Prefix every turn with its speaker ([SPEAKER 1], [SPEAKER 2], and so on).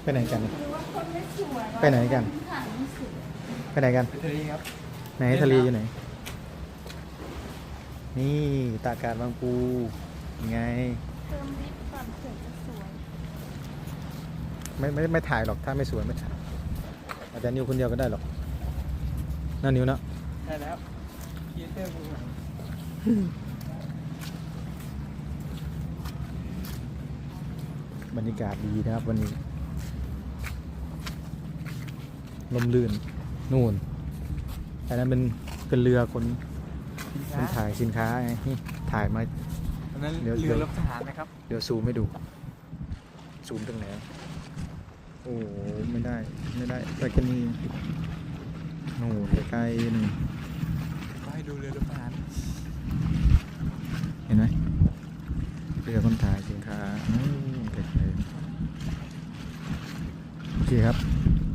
[SPEAKER 1] ไปไหนกัน
[SPEAKER 2] หรือว่าคนไม่สวย
[SPEAKER 1] ไปไหนกัน
[SPEAKER 2] ถ่ายไม่สวย
[SPEAKER 1] ไปไหนกัน
[SPEAKER 3] ไปทะเลครับ
[SPEAKER 1] ไหนทะเลอยู่ไหน นี่ตากาศบางปูยังไง
[SPEAKER 2] เติมลิปก่อนเผื่อจะสวย
[SPEAKER 1] ไม่ถ่ายหรอกถ้าไม่สวยไม่ถ่ายอาจจะนิวคนเดียวก็ได้หรอกน่านิวเนาะ
[SPEAKER 3] ได้แล้วครีเอเตอร์มือใหม่
[SPEAKER 1] บรรยากาศดีนะครับวันนี้ลมลื่นนู่นอันนั้นเป็นเรือคนถ่ายสินค้าไงนี่ถ่ายมา
[SPEAKER 3] อันนั้น
[SPEAKER 1] เดี๋ยว
[SPEAKER 3] เรือรบทหารนะครับ
[SPEAKER 1] เดี๋ยวซูมให้ดู ซูมตรงไหนโอ้โหไม่ได้ไปแค่นี้โน่นใกล้ๆนี่
[SPEAKER 3] ก็ให้ดูเรือรบทหาร
[SPEAKER 1] เห็นไหมเรือคนถ่ายสินค้าไกลๆโอเคครับ